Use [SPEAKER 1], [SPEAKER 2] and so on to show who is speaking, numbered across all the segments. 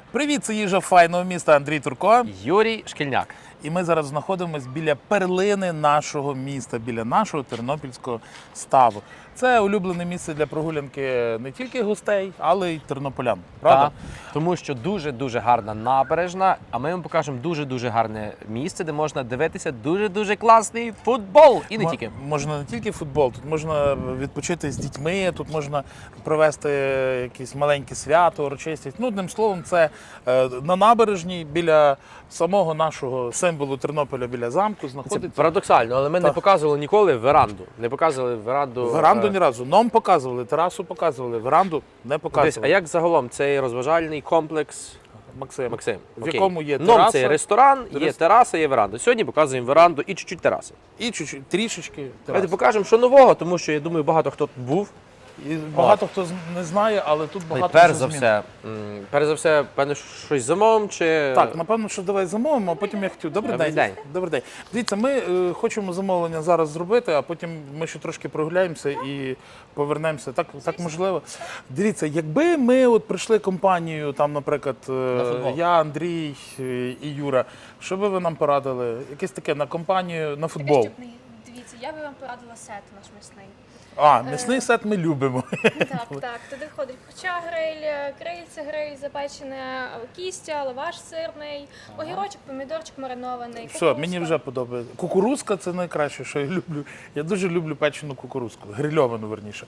[SPEAKER 1] Привіт, це їжа файного міста Андрій Турко.
[SPEAKER 2] Юрій Шкільняк.
[SPEAKER 1] І ми зараз знаходимося біля перлини нашого міста, біля нашого тернопільського ставу. Це улюблене місце для прогулянки не тільки гостей, але й тернополян. Правда?
[SPEAKER 2] Так, тому що дуже-дуже гарна набережна, а ми вам покажемо дуже-дуже гарне місце, де можна дивитися дуже-дуже класний футбол. І не тільки.
[SPEAKER 1] Можна не тільки футбол, тут можна відпочити з дітьми, тут можна провести якісь маленькі свято, урочистість. Ну, одним словом, це на набережній біля самого нашого символу Тернополя, біля замку,
[SPEAKER 2] Це
[SPEAKER 1] знаходиться.
[SPEAKER 2] парадоксально, але ми не показували ніколи веранду. Не показували веранду.
[SPEAKER 1] Веранду ні разу. Нам показували, терасу показували, веранду не
[SPEAKER 2] Десь,
[SPEAKER 1] показували.
[SPEAKER 2] а як загалом цей розважальний комплекс,
[SPEAKER 1] Максим,
[SPEAKER 2] в
[SPEAKER 1] якому є
[SPEAKER 2] Ном
[SPEAKER 1] тераса,
[SPEAKER 2] це ресторан, є тераса, є веранда. Сьогодні показуємо веранду і чуть-чуть тераси.
[SPEAKER 1] і чуть-чуть, трішечки
[SPEAKER 2] Давайте
[SPEAKER 1] тераси.
[SPEAKER 2] покажемо, що нового, тому що я думаю, багато хто тут був.
[SPEAKER 1] І багато хто не знає, але тут багато
[SPEAKER 2] Перш
[SPEAKER 1] вже
[SPEAKER 2] за
[SPEAKER 1] змін.
[SPEAKER 2] все, певно, щось замовимо чи...
[SPEAKER 1] Так, напевно, що давай замовимо, а потім я хотів. Добрий
[SPEAKER 2] Добрий
[SPEAKER 1] день.
[SPEAKER 2] день.
[SPEAKER 1] Добрий день. Дивіться, ми хочемо замовлення зараз зробити, а потім ми ще трошки прогуляємося і повернемося. Так можливо. Дивіться, якби ми от прийшли компанією, там, наприклад, я, Андрій і Юра, що би ви нам порадили? Якесь таке на компанію, на футбол.
[SPEAKER 3] Дивіться, я би вам порадила сет наш м'ясний.
[SPEAKER 1] А, м'ясний сет ми любимо.
[SPEAKER 3] Так, туди входить курча гриль, крильце гриль, запечене кістя, лаваш сирний, огірочок, помідорчик маринований.
[SPEAKER 1] Все,
[SPEAKER 3] кукурудзка.
[SPEAKER 1] мені вже подобається. Кукурузка – це найкраще, що я люблю. Я дуже люблю печену кукурузку, грильовану, верніше.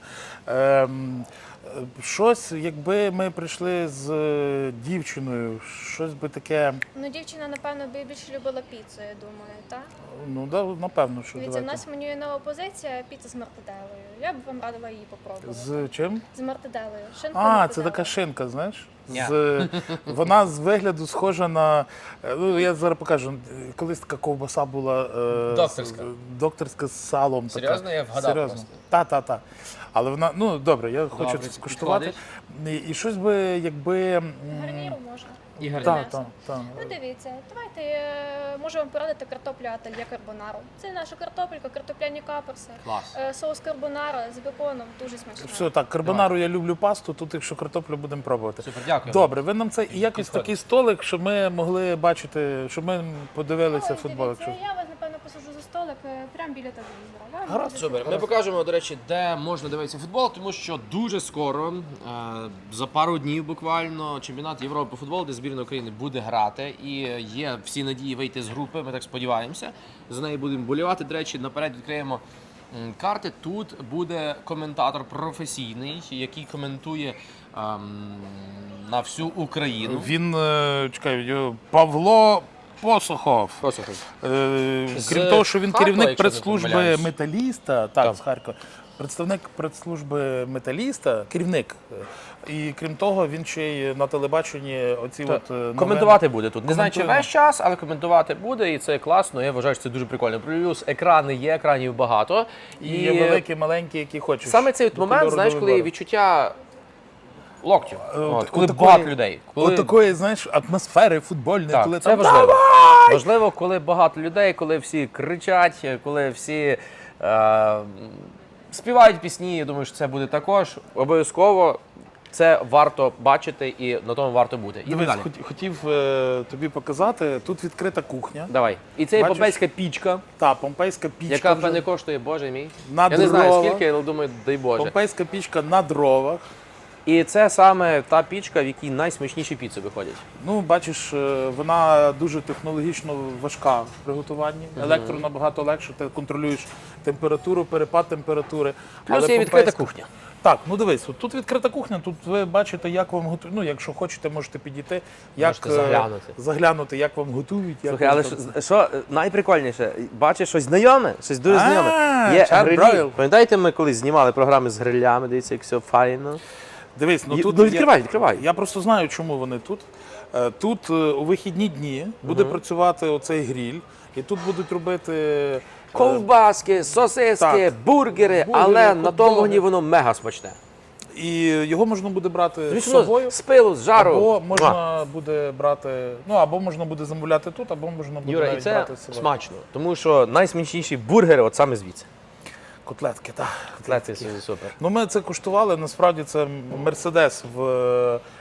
[SPEAKER 1] Щось, якби ми прийшли з дівчиною, щось би таке,
[SPEAKER 3] Ну, дівчина, напевно, би більше любила піцу, я думаю, так?
[SPEAKER 1] ну, да, напевно, що
[SPEAKER 3] Дивіться, в
[SPEAKER 1] давайте.
[SPEAKER 3] нас в меню є нова позиція – піца з мартаделою. Я б вам радила її попробувати.
[SPEAKER 1] З чим?
[SPEAKER 3] З мартаделою. Шинка
[SPEAKER 1] А,
[SPEAKER 3] мартаделла.
[SPEAKER 1] це така шинка, знаєш?
[SPEAKER 2] Ні.
[SPEAKER 1] Вона з вигляду схожа на, ну, я зараз покажу, колись така ковбаса була
[SPEAKER 2] Докторська.
[SPEAKER 1] докторська з салом.
[SPEAKER 2] Серйозно?
[SPEAKER 1] Така.
[SPEAKER 2] Я вгадав
[SPEAKER 1] Серйозно.
[SPEAKER 2] просто.
[SPEAKER 1] Та. Але вона, ну, добре, я хочу
[SPEAKER 2] Добре,
[SPEAKER 1] це скуштувати. І щось би, якби...
[SPEAKER 3] Гарніру можна.
[SPEAKER 2] Ігор,
[SPEAKER 1] Так.
[SPEAKER 3] Ну, дивіться, давайте, можу вам порадити картоплю ательє карбонару. Це наша картопелька, картопляні каперси.
[SPEAKER 2] Клас.
[SPEAKER 3] Соус карбонара з беконом, дуже смачно.
[SPEAKER 1] Все, так, карбонару я люблю пасту, тут якщо картоплю будемо пробувати.
[SPEAKER 2] Супер, дякую.
[SPEAKER 1] Добре, ви нам це і якось
[SPEAKER 2] Підходить.
[SPEAKER 1] такий столик, щоб ми могли бачити, щоб ми подивилися футбол.
[SPEAKER 3] Дивіться,
[SPEAKER 1] Якщо...
[SPEAKER 3] я вас, напевно, посаджу за столик прямо біля телевізора. Вам
[SPEAKER 1] Гаразд,
[SPEAKER 3] буде
[SPEAKER 2] Супер. Ми покажемо, до речі, де можна дивитися футбол, тому що дуже скоро, за пару днів буквально, чемпіонат Європи по футболу, де збірна України буде грати. І є всі надії вийти з групи, ми так сподіваємося. За неї будемо болівати. До речі, наперед відкриємо карти. Тут буде коментатор професійний, який коментує на всю Україну.
[SPEAKER 1] Він, чекай, Павло Посохов.
[SPEAKER 2] Послухай.
[SPEAKER 1] Крім того, що він
[SPEAKER 2] Харкова,
[SPEAKER 1] керівник
[SPEAKER 2] якщо не
[SPEAKER 1] прес-служби
[SPEAKER 2] помиляюсь.
[SPEAKER 1] металіста, так, з Харкова. Представник прес-служби металіста, керівник. І крім того, він ще й на телебаченні оці от новини.
[SPEAKER 2] Коментувати буде тут. Не знаю, чи
[SPEAKER 1] Коментуємо.
[SPEAKER 2] весь час, але коментувати буде, і це класно. Я вважаю, що це дуже прикольно. Плюс екрани є, екранів багато.
[SPEAKER 1] І є великі, маленькі, які хочеш.
[SPEAKER 2] Саме цей от
[SPEAKER 1] До
[SPEAKER 2] момент,
[SPEAKER 1] кольору
[SPEAKER 2] знаєш,
[SPEAKER 1] до
[SPEAKER 2] коли
[SPEAKER 1] вибору.
[SPEAKER 2] відчуття локтю. Коли
[SPEAKER 1] Отакої-
[SPEAKER 2] багато людей. Коли...
[SPEAKER 1] Отакої, знаєш, атмосфери футбольної,
[SPEAKER 2] Так,
[SPEAKER 1] коли
[SPEAKER 2] це
[SPEAKER 1] там
[SPEAKER 2] важливо. Важливо, коли багато людей, коли всі кричать, коли всі співають пісні. Я думаю, що це буде також. Обов'язково це варто бачити і на тому варто бути. І
[SPEAKER 1] Дивись,
[SPEAKER 2] далі.
[SPEAKER 1] хотів тобі показати, тут відкрита кухня.
[SPEAKER 2] Давай. І це є
[SPEAKER 1] Бачиш?
[SPEAKER 2] помпейська пічка,
[SPEAKER 1] Та, помпейська пічка.
[SPEAKER 2] яка
[SPEAKER 1] вже.
[SPEAKER 2] певне коштує, боже мій.
[SPEAKER 1] На
[SPEAKER 2] Я не знаю
[SPEAKER 1] дрова.
[SPEAKER 2] скільки, але думаю, дай Боже.
[SPEAKER 1] Помпейська пічка на дровах.
[SPEAKER 2] І це саме та пічка, в якій найсмачніші піци виходять.
[SPEAKER 1] Ну, бачиш, вона дуже технологічно важка в приготуванні. Електро набагато легше, ти контролюєш температуру, перепад температури.
[SPEAKER 2] Плюс
[SPEAKER 1] Але
[SPEAKER 2] є відкрита
[SPEAKER 1] помпейська-
[SPEAKER 2] кухня.
[SPEAKER 1] Так, ну дивись, тут відкрита кухня, тут ви бачите, як вам готують. Ну, якщо хочете, можете підійти, як
[SPEAKER 2] Можете заглянути.
[SPEAKER 1] заглянути, як вам готують. Як
[SPEAKER 2] Слухай,
[SPEAKER 1] вам
[SPEAKER 2] але
[SPEAKER 1] там-
[SPEAKER 2] що найприкольніше, бачиш щось знайоме, щось дуже знайоме. Є
[SPEAKER 1] Чар
[SPEAKER 2] грилі.
[SPEAKER 1] Бройл.
[SPEAKER 2] Пам'ятаєте, ми колись знімали програми з грилями, дивіться, як все файно.
[SPEAKER 1] Дивись, ну
[SPEAKER 2] Є-
[SPEAKER 1] тут
[SPEAKER 2] ну, відкривай.
[SPEAKER 1] Я просто знаю, чому вони тут. Тут у вихідні дні буде працювати оцей гріль, і тут будуть робити
[SPEAKER 2] Ковбаски, сосиски,
[SPEAKER 1] так.
[SPEAKER 2] бургери, але на тому
[SPEAKER 1] хот-доги.
[SPEAKER 2] вогні воно мега смачне.
[SPEAKER 1] і його можна буде брати з
[SPEAKER 2] Звісно,
[SPEAKER 1] собою.
[SPEAKER 2] з пилу, з жару.
[SPEAKER 1] Або можна буде брати, ну або можна буде замовляти тут, або можна буде
[SPEAKER 2] Юра, і
[SPEAKER 1] навіть
[SPEAKER 2] це
[SPEAKER 1] брати з собою.
[SPEAKER 2] смачно, тому що найсмачніші бургери от саме звідси.
[SPEAKER 1] Котлетки, так.
[SPEAKER 2] Котлети супер.
[SPEAKER 1] Ну ми це куштували, насправді це Мерседес в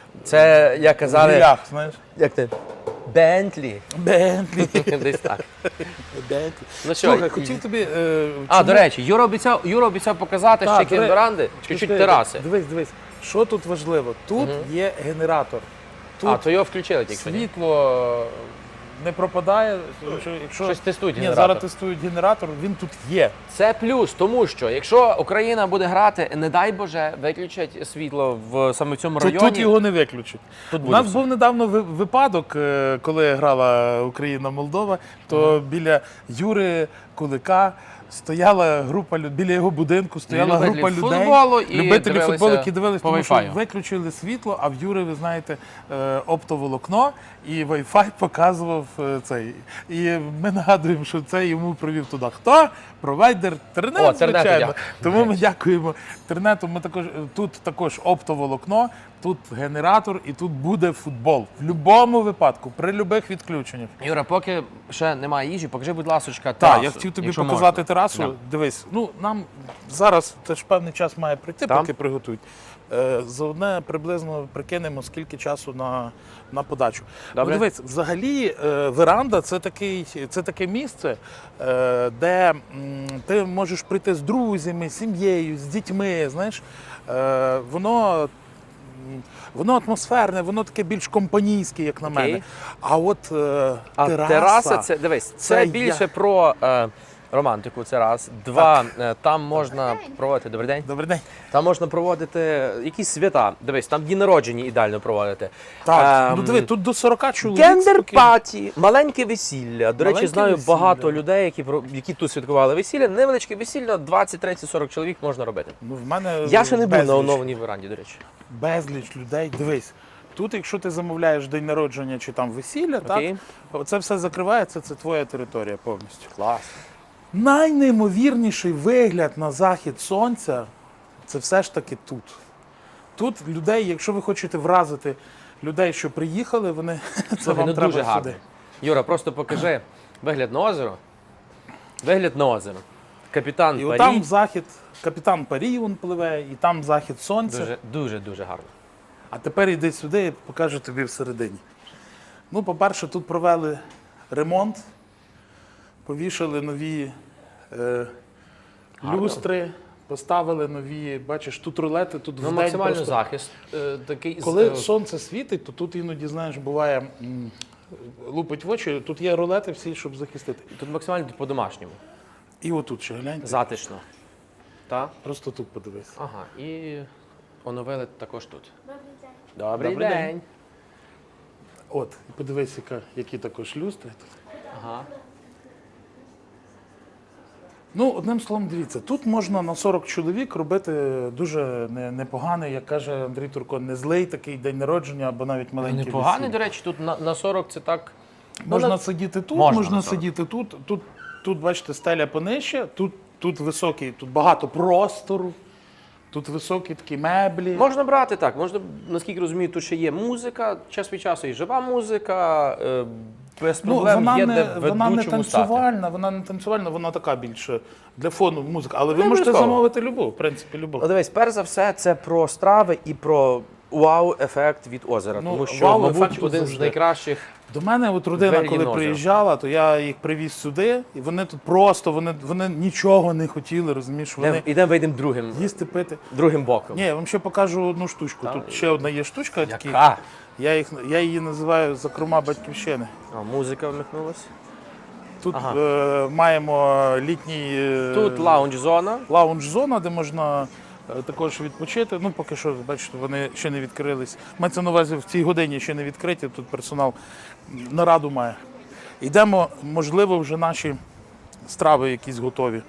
[SPEAKER 2] Це, як казали,
[SPEAKER 1] Лях, знаєш.
[SPEAKER 2] як ти? Бентлі.
[SPEAKER 1] Бентлі.
[SPEAKER 2] Десь так.
[SPEAKER 1] Бентлі.
[SPEAKER 2] Ну що,
[SPEAKER 1] Слухай, хотів тобі...
[SPEAKER 2] до речі, Юра обіцяв показати ще крім веранди, чуть-чуть тераси.
[SPEAKER 1] Дивись. Що тут важливо? Тут є генератор. Тут
[SPEAKER 2] То його включили тільки.
[SPEAKER 1] світло не пропадає. Якщо
[SPEAKER 2] Щось тестують
[SPEAKER 1] Ні,
[SPEAKER 2] генератор.
[SPEAKER 1] зараз тестують генератор, він тут є.
[SPEAKER 2] Це плюс, тому що якщо Україна буде грати, не дай Боже, виключать світло саме в цьому районі.
[SPEAKER 1] Тут його не виключать.
[SPEAKER 2] Тут
[SPEAKER 1] У
[SPEAKER 2] буде
[SPEAKER 1] нас
[SPEAKER 2] все.
[SPEAKER 1] був недавно випадок, коли грала Україна-Молдова, то біля Юри Кулика стояла група біля його будинку стояла
[SPEAKER 2] Любителі
[SPEAKER 1] група людей,
[SPEAKER 2] футболу і
[SPEAKER 1] любителі
[SPEAKER 2] дивилися
[SPEAKER 1] футболу, які дивилися,
[SPEAKER 2] по
[SPEAKER 1] тому що
[SPEAKER 2] Wi-Fi.
[SPEAKER 1] виключили світло, а в Юри, ви знаєте, оптоволокно і Wi-Fi показував цей. І ми нагадуємо, що це йому провів туди. Хто? Провайдер Тернет,
[SPEAKER 2] Тернету
[SPEAKER 1] звичайно.
[SPEAKER 2] дякую.
[SPEAKER 1] Тому ми дякуємо Тернету. Тут також оптоволокно, тут генератор і тут буде футбол. В будь-якому випадку, при будь-яких відключеннях.
[SPEAKER 2] Юра, поки ще немає їжі, покажи, будь ласочка,
[SPEAKER 1] Так,
[SPEAKER 2] терасу,
[SPEAKER 1] я хотів тобі
[SPEAKER 2] якщо
[SPEAKER 1] показати
[SPEAKER 2] можна.
[SPEAKER 1] терасу.
[SPEAKER 2] Да.
[SPEAKER 1] Дивись, нам зараз теж певний час має прийти,
[SPEAKER 2] Там?
[SPEAKER 1] поки приготують. За одне приблизно прикинемо, скільки часу на подачу.
[SPEAKER 2] Добре.
[SPEAKER 1] Ну, дивись, взагалі веранда це таке місце, де ти можеш прийти з друзями, з сім'єю, з дітьми. Знаєш, воно атмосферне, воно таке більш компанійське, як на
[SPEAKER 2] Окей.
[SPEAKER 1] мене. А от
[SPEAKER 2] А тераса, це дивись, це більше про романтику. Це раз. Два, там можна проводити добрий день.
[SPEAKER 1] Добрий день.
[SPEAKER 2] Там можна проводити якісь свята. Дивись, там дні народження ідеально проводити.
[SPEAKER 1] Так, ну диви, тут до 40 чоловік.
[SPEAKER 2] Гендер-паті, маленьке весілля. До речі,
[SPEAKER 1] Маленьке
[SPEAKER 2] знаю
[SPEAKER 1] весілля,
[SPEAKER 2] багато
[SPEAKER 1] да.
[SPEAKER 2] людей, які тут святкували весілля. Невеличке весілля, 20, 30, 40 чоловік можна робити.
[SPEAKER 1] Ну, в мене
[SPEAKER 2] Я ще не був на
[SPEAKER 1] безліч.
[SPEAKER 2] оновленій веранді, до речі.
[SPEAKER 1] Безліч людей. Дивись, тут, якщо ти замовляєш день народження чи там весілля,
[SPEAKER 2] Окей.
[SPEAKER 1] так, це все закривається, це твоя територія повністю.
[SPEAKER 2] Клас.
[SPEAKER 1] Найнеймовірніший вигляд на захід сонця це все ж таки тут. Тут людей, якщо ви хочете вразити людей, що приїхали, вони це
[SPEAKER 2] Слухай,
[SPEAKER 1] вам
[SPEAKER 2] ну
[SPEAKER 1] треба
[SPEAKER 2] дуже гарно.
[SPEAKER 1] сюди.
[SPEAKER 2] Юра, просто покажи вигляд на озеро. Вигляд на озеро. Капітан
[SPEAKER 1] І
[SPEAKER 2] Парі.
[SPEAKER 1] отам захід, капітан Парі він пливе, і там захід сонця.
[SPEAKER 2] Дуже гарно.
[SPEAKER 1] А тепер йди сюди і покажу тобі всередині. Ну, по-перше, тут провели ремонт, повішали нові люстри, поставили нові, бачиш, тут рулети, тут
[SPEAKER 2] Ну,
[SPEAKER 1] вдень
[SPEAKER 2] максимально
[SPEAKER 1] просто.
[SPEAKER 2] захист. Такий,
[SPEAKER 1] Коли сонце світить, то тут іноді, знаєш, буває, лупить в очі, тут є рулети всі, щоб захистити.
[SPEAKER 2] тут максимально по-домашньому.
[SPEAKER 1] І отут ще гляньте,
[SPEAKER 2] Затишно. Так?
[SPEAKER 1] просто тут подивись.
[SPEAKER 2] Ага. І оновили також тут.
[SPEAKER 3] Добрий день.
[SPEAKER 2] Добрий
[SPEAKER 1] Добрий
[SPEAKER 2] день.
[SPEAKER 1] От, і подивись, які також люстри тут.
[SPEAKER 2] Ага.
[SPEAKER 1] Ну, одним словом, дивіться, тут можна на 40 чоловік робити дуже непоганий, як каже Андрій Турко, не злий такий день народження або навіть маленький
[SPEAKER 2] Непоганий,
[SPEAKER 1] весілля.
[SPEAKER 2] до речі, тут на 40 це так.
[SPEAKER 1] Можна сидіти тут,
[SPEAKER 2] Можна
[SPEAKER 1] можна
[SPEAKER 2] на 40.
[SPEAKER 1] сидіти тут. Тут, бачите, стеля понижче, тут високий, тут багато простору, тут високі такі меблі.
[SPEAKER 2] Можна брати так. Можна, наскільки розумію, тут ще є музика, час від часу і жива музика. Без
[SPEAKER 1] Ну,
[SPEAKER 2] проблем
[SPEAKER 1] вона
[SPEAKER 2] є
[SPEAKER 1] не,
[SPEAKER 2] де
[SPEAKER 1] вона не
[SPEAKER 2] ведучому стати.
[SPEAKER 1] танцювальна, вона така більше для фону музика. Але ви
[SPEAKER 2] Не
[SPEAKER 1] можете
[SPEAKER 2] обов'язково.
[SPEAKER 1] замовити любу, в принципі, любу.
[SPEAKER 2] Ну, дивись, перш за все, це про страви і про вау-ефект від озера.
[SPEAKER 1] Ну,
[SPEAKER 2] Тому що,
[SPEAKER 1] вау-ефект
[SPEAKER 2] мабуть,
[SPEAKER 1] тут
[SPEAKER 2] один з
[SPEAKER 1] завжди.
[SPEAKER 2] найкращих.
[SPEAKER 1] До мене от родина,
[SPEAKER 2] Двері
[SPEAKER 1] коли
[SPEAKER 2] на озеро.
[SPEAKER 1] приїжджала, то я їх привіз сюди, і вони тут просто, вони нічого не хотіли, розумієш, вони
[SPEAKER 2] Ідемо вийдемо другим,
[SPEAKER 1] їсти, пити.
[SPEAKER 2] боком.
[SPEAKER 1] Ні, я вам ще покажу одну штучку. Тут ще одна є штучка, такі,
[SPEAKER 2] Яка?
[SPEAKER 1] я її називаю закрома батьківщини.
[SPEAKER 2] А, музика вмикнулась.
[SPEAKER 1] Тут
[SPEAKER 2] Ага.
[SPEAKER 1] маємо літній
[SPEAKER 2] Тут лаунж-зона.
[SPEAKER 1] лаунж-зона, де можна також відпочити. Ну, поки що, бачите, вони ще не відкрились. Мається на увазі, в цій годині ще не відкриті, тут персонал нараду має. Йдемо, можливо, вже наші страви якісь готові.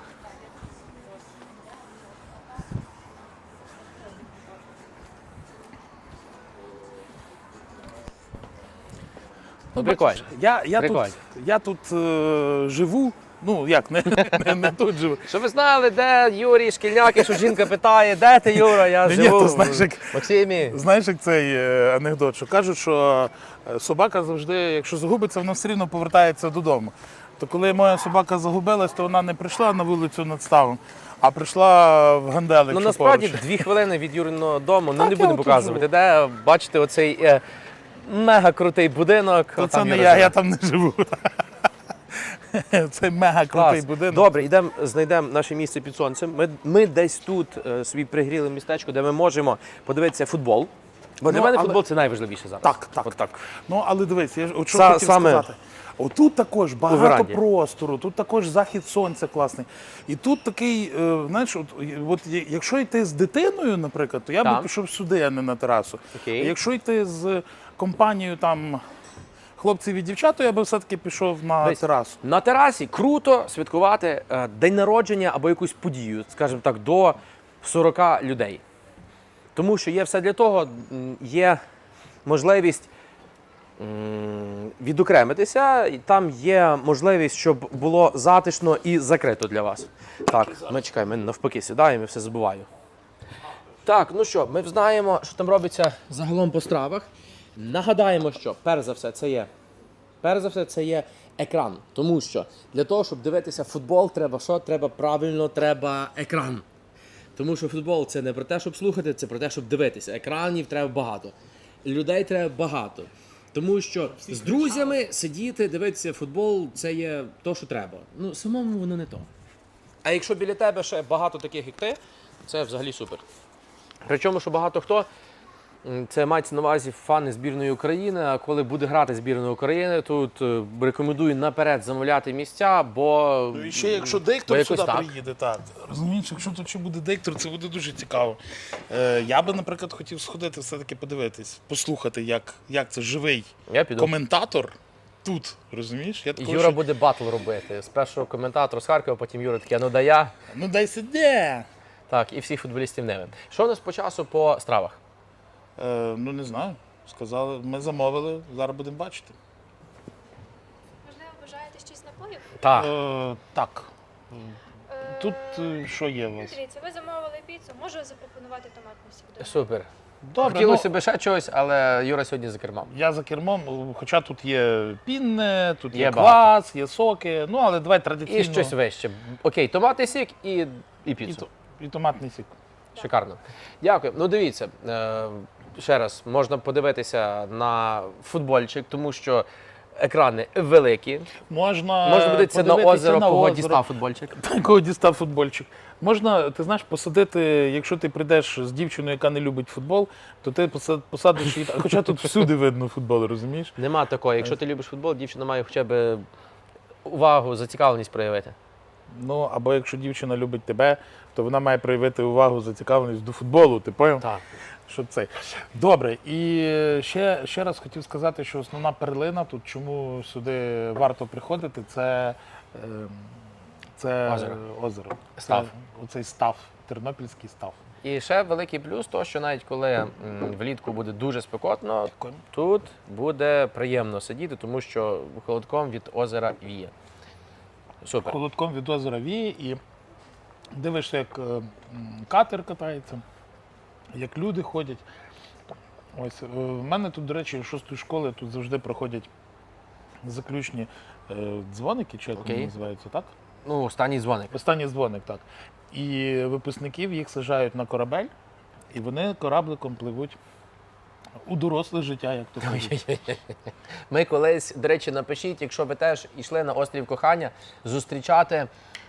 [SPEAKER 1] Ну,
[SPEAKER 2] Прикольно.
[SPEAKER 1] бачиш,
[SPEAKER 2] Прикольно.
[SPEAKER 1] я тут живу, ну як, не тут живу.
[SPEAKER 2] Щоб ви знали, де Юрій Шкільняк, що жінка питає, де ти, Юра, я
[SPEAKER 1] Ні,
[SPEAKER 2] живу
[SPEAKER 1] то знаєш,
[SPEAKER 2] в
[SPEAKER 1] як-
[SPEAKER 2] Максимі.
[SPEAKER 1] Знаєш, як цей анекдот, що кажуть, що собака завжди, якщо загубиться, вона все рівно повертається додому. То коли моя собака загубилась, то вона не прийшла на вулицю над ставом, а прийшла в ганделик.
[SPEAKER 2] Ну
[SPEAKER 1] що
[SPEAKER 2] насправді
[SPEAKER 1] поруч.
[SPEAKER 2] 2 хвилини від Юриного дому,
[SPEAKER 1] Так,
[SPEAKER 2] не
[SPEAKER 1] я
[SPEAKER 2] будемо
[SPEAKER 1] отут
[SPEAKER 2] показувати,
[SPEAKER 1] живу.
[SPEAKER 2] де бачите оцей мега крутий будинок.
[SPEAKER 1] То
[SPEAKER 2] Отам
[SPEAKER 1] це не
[SPEAKER 2] Юра
[SPEAKER 1] я,
[SPEAKER 2] живе.
[SPEAKER 1] я там не живу. Це мега крутий
[SPEAKER 2] Клас.
[SPEAKER 1] будинок.
[SPEAKER 2] Добре, йдемо, знайдемо наше місце під сонцем. Ми десь тут собі пригріли містечко, де ми можемо подивитися футбол. Бо для
[SPEAKER 1] Ну,
[SPEAKER 2] мене
[SPEAKER 1] але-
[SPEAKER 2] футбол це найважливіше зараз.
[SPEAKER 1] Так, так.
[SPEAKER 2] От так.
[SPEAKER 1] Ну, але дивись, я ж от що
[SPEAKER 2] Са-
[SPEAKER 1] хотів
[SPEAKER 2] саме
[SPEAKER 1] сказати. Отут також багато
[SPEAKER 2] веранді.
[SPEAKER 1] простору, тут також захід сонця класний. І тут такий, знаєш, якщо йти з дитиною, наприклад, то я би
[SPEAKER 2] Так.
[SPEAKER 1] пішов сюди, а не на терасу.
[SPEAKER 2] Окей.
[SPEAKER 1] А якщо йти з компанією там хлопців і дівчат, то я би все-таки пішов на
[SPEAKER 2] Дивись,
[SPEAKER 1] терасу.
[SPEAKER 2] На терасі круто святкувати день народження або якусь подію, скажімо так, до 40 людей. Тому що є все для того, є можливість відокремитися, і там є можливість, щоб було затишно і закрито для вас. Так, ми чекаємо, ми навпаки сідаємо і все забуваю. Так, ну що, ми знаємо, що там робиться загалом по стравах. Нагадаємо, що перш за все це є екран. Тому що для того, щоб дивитися футбол, треба що? Треба екран. Тому що футбол це не про те, щоб слухати, це про те, щоб дивитися. Екранів треба багато. Людей треба багато. Тому що з друзями сидіти, дивитися футбол це є то, що треба. Ну, самому воно не то. А якщо біля тебе ще багато таких, як ти, це взагалі супер. Причому, що багато хто, це мається на увазі фани збірної України, а коли буде грати збірна України, тут рекомендую наперед замовляти місця, бо...
[SPEAKER 1] І ще якщо
[SPEAKER 2] бо
[SPEAKER 1] диктор
[SPEAKER 2] якось
[SPEAKER 1] сюди
[SPEAKER 2] так.
[SPEAKER 1] приїде, так. Розумієш, якщо тут ще буде диктор, це буде дуже цікаво. Я би, наприклад, хотів сходити все-таки подивитись, послухати, як це живий
[SPEAKER 2] Я піду.
[SPEAKER 1] коментатор тут, розумієш? Я такого,
[SPEAKER 2] Юра
[SPEAKER 1] що-
[SPEAKER 2] буде батл робити. Спершу коментатор з Харкова, потім Юра таке, ну да я.
[SPEAKER 1] Ну дай сиди.
[SPEAKER 2] Так, і всіх футболістів не. Що у нас по часу по стравах?
[SPEAKER 1] Ну не знаю. Сказали, ми замовили, зараз будемо бачити.
[SPEAKER 3] Можливо, бажаєте щось напоїв?
[SPEAKER 2] Так.
[SPEAKER 1] Так.
[SPEAKER 3] Е,
[SPEAKER 1] Тут що є у вас?
[SPEAKER 3] Дивіться, ви замовили піцу, можу запропонувати томатний сік вдома.
[SPEAKER 2] Супер.
[SPEAKER 1] Добре,
[SPEAKER 2] Хотілося б ще чогось, але Юра сьогодні за кермом.
[SPEAKER 1] я за кермом, хоча тут є пінне, тут є
[SPEAKER 2] Є
[SPEAKER 1] квас, є соки, ну але давай традиційно.
[SPEAKER 2] І щось вище. Окей, томатний сік і
[SPEAKER 1] І,
[SPEAKER 2] піцу.
[SPEAKER 1] і томатний сік.
[SPEAKER 2] Шикарно. Дякую. Ну дивіться, ще раз, можна подивитися на футбольчик, тому що екрани великі.
[SPEAKER 1] Можна
[SPEAKER 2] Можна подивитися на
[SPEAKER 1] подивитися
[SPEAKER 2] озеро,
[SPEAKER 1] на
[SPEAKER 2] кого
[SPEAKER 1] озеро.
[SPEAKER 2] дістав футбольчик.
[SPEAKER 1] Кого дістав футбольчик. Можна, ти знаєш, посадити, якщо ти прийдеш з дівчиною, яка не любить футбол, то ти посадиш її. Хоча тут всюди видно футбол, розумієш?
[SPEAKER 2] Нема такого. Якщо ти любиш футбол, дівчина має хоча б увагу, зацікавленість проявити.
[SPEAKER 1] Ну, або якщо дівчина любить тебе, то вона має проявити увагу, зацікавленість до футболу, ти поняв?
[SPEAKER 2] Так.
[SPEAKER 1] Що це? Добре, і ще раз хотів сказати, що основна перлина тут, чому сюди варто приходити, це озеро.
[SPEAKER 2] Став.
[SPEAKER 1] Це оцей став, тернопільський став.
[SPEAKER 2] І ще великий плюс, то що навіть коли влітку буде дуже спекотно, тут буде приємно сидіти, тому що холодком від озера віє. Супер.
[SPEAKER 1] Холодком від озера віє і дивишся, як катер катається, як люди ходять. Ось, в мене тут, до речі, 6-ї школи тут завжди проходять заключні дзвоники, чи як вони
[SPEAKER 2] Окей.
[SPEAKER 1] називаються, так?
[SPEAKER 2] Ну, останній дзвоник.
[SPEAKER 1] Останній дзвоник, так. І випускників їх саджають на корабель, і вони корабликом пливуть у доросле життя, як то кажуть.
[SPEAKER 2] Ми колись, до речі, напишіть, якщо ви теж йшли на острів кохання, зустрічати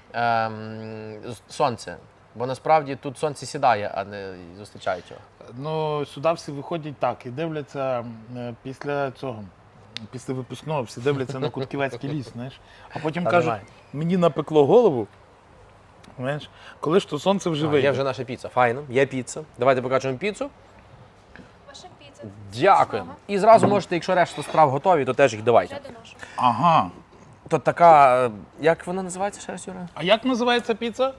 [SPEAKER 2] сонце. Бо насправді тут сонце сідає, а не зустрічають його.
[SPEAKER 1] Ну, сюди всі виходять так і дивляться після цього. Після випускного всі дивляться на Кутківецький ліс, знаєш. А потім
[SPEAKER 2] Та
[SPEAKER 1] кажуть,
[SPEAKER 2] немає.
[SPEAKER 1] мені напекло голову, знаєш, коли ж то сонце вже вийде.
[SPEAKER 2] Є вже наша піца. Файно, є піца. Давайте покажемо піцу.
[SPEAKER 3] Ваша піца.
[SPEAKER 2] Дякую.
[SPEAKER 3] Смачного.
[SPEAKER 2] І зразу можете, якщо решта страв готові, то теж їх давайте.
[SPEAKER 3] Вже доношу.
[SPEAKER 1] Ага.
[SPEAKER 2] То така, як вона називається ще раз, Юра?
[SPEAKER 1] А як називається піца?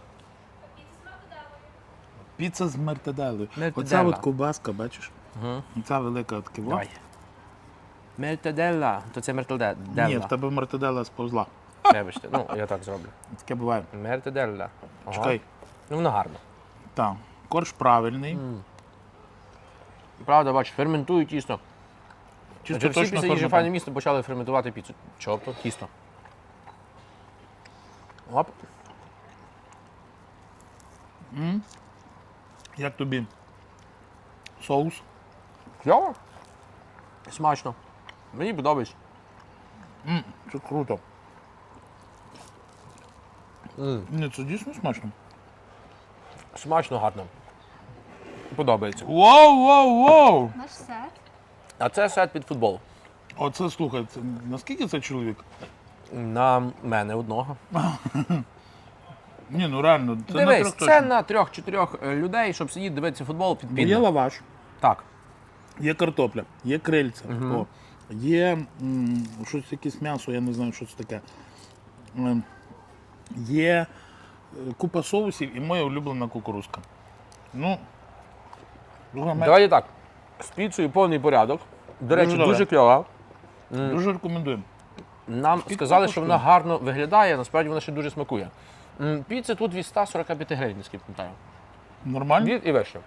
[SPEAKER 3] Піца з мартаделою.
[SPEAKER 1] Піца з мертеделою.
[SPEAKER 2] Мертеделла.
[SPEAKER 1] Оця от ковбаска, бачиш?
[SPEAKER 2] Угу.
[SPEAKER 1] І ця велика от киво.
[SPEAKER 2] Давай. Мертеделла. То це мертеделла.
[SPEAKER 1] Ні, в тебе мертедела сповзла.
[SPEAKER 2] Вибачте, ну я так зроблю.
[SPEAKER 1] Таке буває.
[SPEAKER 2] Мертеделла. Ага.
[SPEAKER 1] Чекай.
[SPEAKER 2] Ну воно гарно.
[SPEAKER 1] Так. Корж правильний.
[SPEAKER 2] Правда, бачу, ферментують тісто.
[SPEAKER 1] Чисто
[SPEAKER 2] Всі
[SPEAKER 1] точно
[SPEAKER 2] після їжі
[SPEAKER 1] форма.
[SPEAKER 2] файне місто почали ферментувати піцу. Чопто, тісто. Оп.
[SPEAKER 1] Як тобі соус?
[SPEAKER 2] Кльово? Смачно. Мені подобається.
[SPEAKER 1] Це круто. Ні, це дійсно смачно.
[SPEAKER 2] Смачно, гарно. Подобається.
[SPEAKER 1] Воу!
[SPEAKER 3] Наш сет.
[SPEAKER 2] А це сет під футбол.
[SPEAKER 1] Оце, слухай, це, наскільки це чоловік?
[SPEAKER 2] На мене одного.
[SPEAKER 1] Ні, ну реально, це на
[SPEAKER 2] Дивись,
[SPEAKER 1] трьох
[SPEAKER 2] це
[SPEAKER 1] точно.
[SPEAKER 2] на 3-4 людей, щоб сидіти дивитися футбол під
[SPEAKER 1] Бо є
[SPEAKER 2] підне.
[SPEAKER 1] лаваш,
[SPEAKER 2] Так.
[SPEAKER 1] є картопля, є крильця, о, є щось, якесь м'ясо, я не знаю, що це таке. Є купа соусів і моя улюблена кукурузка. Ну,
[SPEAKER 2] Давайте так. З піцею повний порядок. До речі,
[SPEAKER 1] добре.
[SPEAKER 2] дуже кльова.
[SPEAKER 1] дуже рекомендуємо.
[SPEAKER 2] Нам сказали, що вона гарно виглядає, насправді вона ще дуже смакує. Піца тут від 145 гривень, наскільки пам'ятаю.
[SPEAKER 1] Нормально?
[SPEAKER 2] Від і вище.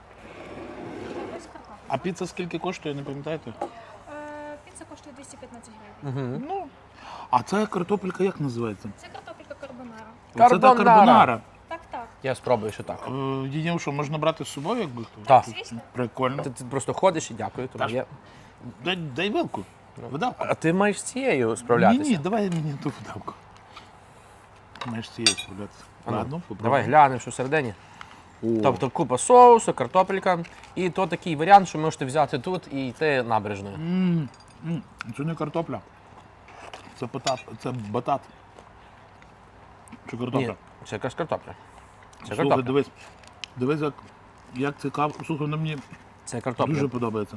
[SPEAKER 1] А піца скільки коштує, не пам'ятаєте?
[SPEAKER 3] Піца коштує 215 гривень.
[SPEAKER 1] Ну, а ця картопелька як називається?
[SPEAKER 3] Це картопелька карбонара.
[SPEAKER 1] Оце та
[SPEAKER 2] Карбонара.
[SPEAKER 1] карбонара.
[SPEAKER 3] Так.
[SPEAKER 2] Я спробую ще так.
[SPEAKER 1] Її що, можна брати з собою, якби хто?
[SPEAKER 2] Так.
[SPEAKER 3] Звісно.
[SPEAKER 1] Прикольно.
[SPEAKER 2] Ти просто ходиш і дякую. Тобі.
[SPEAKER 1] Та ж- Дай вилку. Видавку.
[SPEAKER 2] А ти маєш з цією справлятися.
[SPEAKER 1] Ні, давай мені ту видавку. Маєш цією справлятися. Ладно, попробуй.
[SPEAKER 2] Давай глянемо, що всередині.
[SPEAKER 1] О,
[SPEAKER 2] Тобто купа соусу, картопелька. І то такий варіант, що можете взяти тут і йти набережною.
[SPEAKER 1] це не картопля. Це батат. Чи картопля?
[SPEAKER 2] Ні, це якась картопля. Це
[SPEAKER 1] Слухай,
[SPEAKER 2] картопля.
[SPEAKER 1] дивись, як цікаво. Слухай, воно мені
[SPEAKER 2] Це картопля.
[SPEAKER 1] дуже подобається.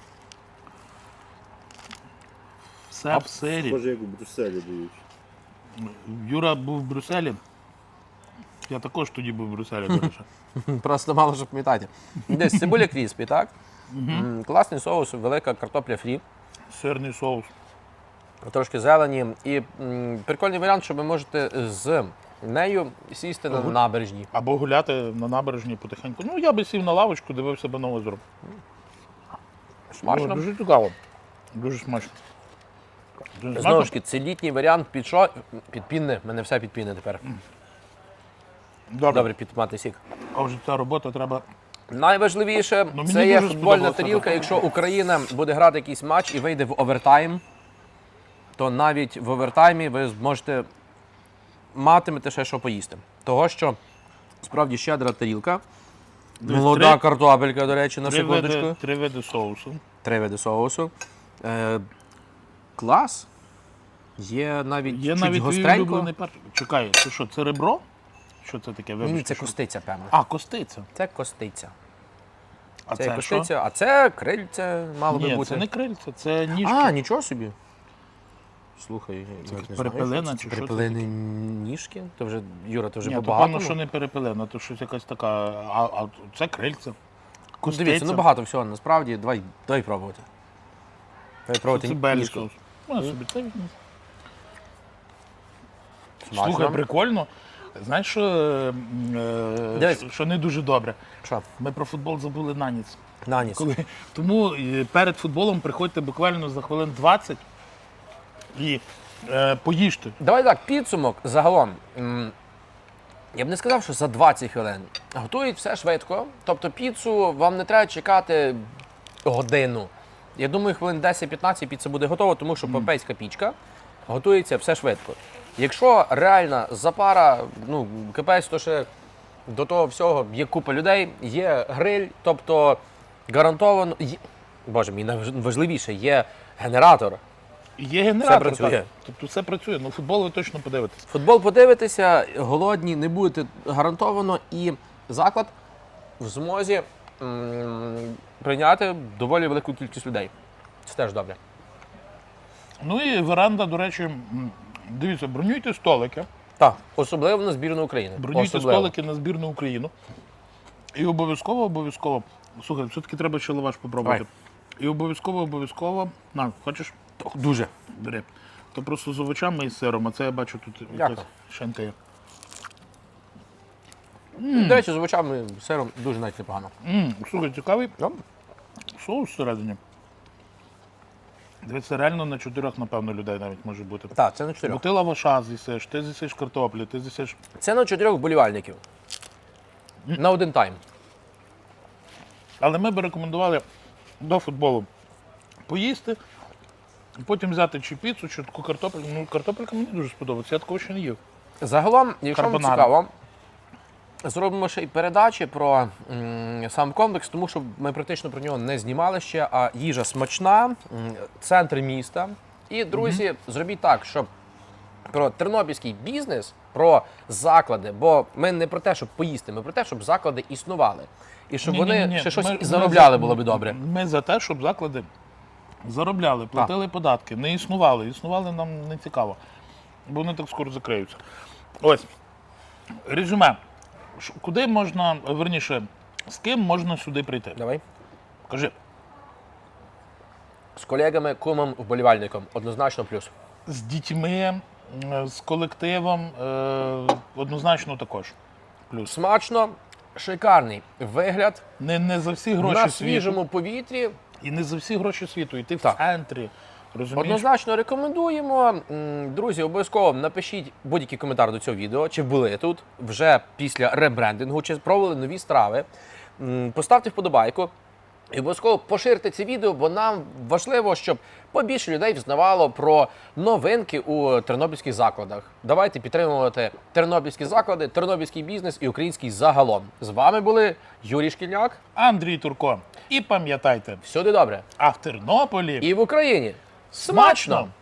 [SPEAKER 1] Все в сирі.
[SPEAKER 4] Схоже, як у Брюсселі дають.
[SPEAKER 1] Юра був в Брюсселі. Я також тоді був в Брюсселі, до речі.
[SPEAKER 2] Просто мало що пам'ятати. Десь цибуля кріспі, так? Класний соус, велика картопля фрі,
[SPEAKER 1] Сирний соус.
[SPEAKER 2] трошки зелені. І прикольний варіант, що ви можете з нею сісти на набережні.
[SPEAKER 1] Або гуляти на набережні потихеньку. Ну, я би сів на лавочку, дивився би на озеро.
[SPEAKER 2] Смачно.
[SPEAKER 1] Дуже цікаво. Дуже смачно. Дуже
[SPEAKER 2] Знову
[SPEAKER 1] смачно.
[SPEAKER 2] ж таки, це літній варіант під що? Під пінне. У мене все під пінне тепер. Добре, під томатний сік.
[SPEAKER 1] А вже ця робота треба.
[SPEAKER 2] Найважливіше
[SPEAKER 1] Ну, мені
[SPEAKER 2] це є
[SPEAKER 1] дуже
[SPEAKER 2] футбольна
[SPEAKER 1] сподобалося
[SPEAKER 2] тарілка.
[SPEAKER 1] так.
[SPEAKER 2] Якщо Україна буде грати якийсь матч і вийде в овертайм, то навіть в овертаймі ви зможете матимете ще що поїсти. Того, що справді щедра тарілка. Молода картопелька, до речі, на секундочку.
[SPEAKER 1] Три види соусу.
[SPEAKER 2] 3 види соусу. Клас. Є навіть
[SPEAKER 1] Є
[SPEAKER 2] чуть
[SPEAKER 1] навіть твій
[SPEAKER 2] гостренько.
[SPEAKER 1] улюблений перший. Чекай, це що, це ребро? Що це таке?
[SPEAKER 2] Ні,
[SPEAKER 1] Вибачте,
[SPEAKER 2] це
[SPEAKER 1] що?
[SPEAKER 2] костиця, певно.
[SPEAKER 1] А, костиця.
[SPEAKER 2] Це костиця.
[SPEAKER 1] А
[SPEAKER 2] Це
[SPEAKER 1] це,
[SPEAKER 2] костиця,
[SPEAKER 1] що?
[SPEAKER 2] а це крильце мало би
[SPEAKER 1] Ні,
[SPEAKER 2] бути.
[SPEAKER 1] це не крильця, це ніжки.
[SPEAKER 2] А, нічого собі. Слухай, я не знаю,
[SPEAKER 1] перепелина
[SPEAKER 2] що це.
[SPEAKER 1] чи що це
[SPEAKER 2] Перепелини ніжки? То вже, Юра, то вже
[SPEAKER 1] Ні, то
[SPEAKER 2] по-багатому.
[SPEAKER 1] певно, що не перепелена, то щось якась така. А це крильця. Костиця.
[SPEAKER 2] Дивіться, ну багато всього насправді. Давай пробувати. Давай пробувати
[SPEAKER 1] Це белі
[SPEAKER 2] ніжку.
[SPEAKER 1] соус. Ну, собі це візьму.
[SPEAKER 2] Смачно.
[SPEAKER 1] Слухай, прикольно. Знаєш,
[SPEAKER 2] Дивись.
[SPEAKER 1] що не дуже добре?
[SPEAKER 2] Що?
[SPEAKER 1] Ми про футбол забули на ніц.
[SPEAKER 2] На ніс.
[SPEAKER 1] Тому перед футболом приходьте буквально за хвилин 20 і поїжте.
[SPEAKER 2] Давай так, підсумок загалом. Я б не сказав, що за 20 хвилин. Готують все швидко. Тобто піцу вам не треба чекати годину. Я думаю, хвилин 10-15 піца буде готова, тому що попейська пічка готується все швидко. Якщо реальна запара, ну, кипець, то ще до того всього є купа людей, є гриль, тобто гарантовано. Боже мій, найважливіше, є генератор.
[SPEAKER 1] Є генератор.
[SPEAKER 2] Все працює.
[SPEAKER 1] Так. Тобто все працює. Ну, футбол ви точно подивитесь.
[SPEAKER 2] Футбол подивитеся, голодні не будете гарантовано, і заклад в змозі прийняти доволі велику кількість людей. Це теж добре.
[SPEAKER 1] Ну і веранда, до речі, дивіться, бронюйте столики.
[SPEAKER 2] Так, особливо на збірну України.
[SPEAKER 1] Бронюйте
[SPEAKER 2] Особливо.
[SPEAKER 1] столики на збірну Україну. І обов'язково. Слухай, все-таки треба ще лаваш попробувати.
[SPEAKER 2] Давай.
[SPEAKER 1] І обов'язково. На, хочеш?
[SPEAKER 2] Дуже.
[SPEAKER 1] Бери. То просто з овочами і з сиром, а це я бачу тут
[SPEAKER 2] Дякую.
[SPEAKER 1] якась шинка є.
[SPEAKER 2] До речі, з овочами, сиром дуже навіть непогано.
[SPEAKER 1] Слухай, цікавий
[SPEAKER 2] Добре.
[SPEAKER 1] соус всередині. Дивіться, реально на 4, напевно, людей навіть може бути.
[SPEAKER 2] Так, це на
[SPEAKER 1] Бо
[SPEAKER 2] 4.
[SPEAKER 1] ти лаваша з'їсиш, ти з'їсиш картоплю, ти з'їсиш.
[SPEAKER 2] Це на 4 вболівальників. на один тайм.
[SPEAKER 1] Але ми б рекомендували до футболу поїсти, потім взяти чи піцу, чи таку картопельку. Ну, картопелька мені дуже сподобається, я такого ще не їв.
[SPEAKER 2] Загалом, якщо вам
[SPEAKER 1] Карбонара.
[SPEAKER 2] цікаво, зробимо ще й передачі про сам комплекс, тому що ми практично про нього не знімали ще, а їжа смачна, центр міста. І, друзі, зробіть так, щоб про тернопільський бізнес, про заклади, бо ми не про те, щоб поїсти, ми про те, щоб заклади існували. І щоб вони
[SPEAKER 1] Ні-ні-ні,
[SPEAKER 2] ще щось
[SPEAKER 1] ми
[SPEAKER 2] і заробляли,
[SPEAKER 1] за-
[SPEAKER 2] було б добре.
[SPEAKER 1] Ми за те, щоб заклади заробляли, платили податки, не існували. Існували нам не цікаво, бо вони так скоро закриються. Ось, резюме. Куди можна, верніше, з ким можна сюди прийти?
[SPEAKER 2] Давай.
[SPEAKER 1] Кажи.
[SPEAKER 2] З колегами, кумом, вболівальником. Однозначно плюс.
[SPEAKER 1] З дітьми, з колективом, однозначно також. Плюс.
[SPEAKER 2] Смачно, шикарний вигляд,
[SPEAKER 1] Не за всі гроші
[SPEAKER 2] на
[SPEAKER 1] світу.
[SPEAKER 2] свіжому повітрі.
[SPEAKER 1] І не за всі гроші світу. І ти в
[SPEAKER 2] Так.
[SPEAKER 1] центрі. Розумієш?
[SPEAKER 2] Однозначно рекомендуємо. Друзі, обов'язково напишіть будь-який коментар до цього відео, чи були тут вже після ребрендингу, чи спробували нові страви. Поставте вподобайку і обов'язково поширте це відео, бо нам важливо, щоб побільше людей взнавало про новинки у тернопільських закладах. Давайте підтримувати тернопільські заклади, тернопільський бізнес і український загалом. З вами були Юрій Шкільняк.
[SPEAKER 1] Андрій Турко. І пам'ятайте,
[SPEAKER 2] Всюди добре.
[SPEAKER 1] а в Тернополі
[SPEAKER 2] І в Україні.
[SPEAKER 1] смачно!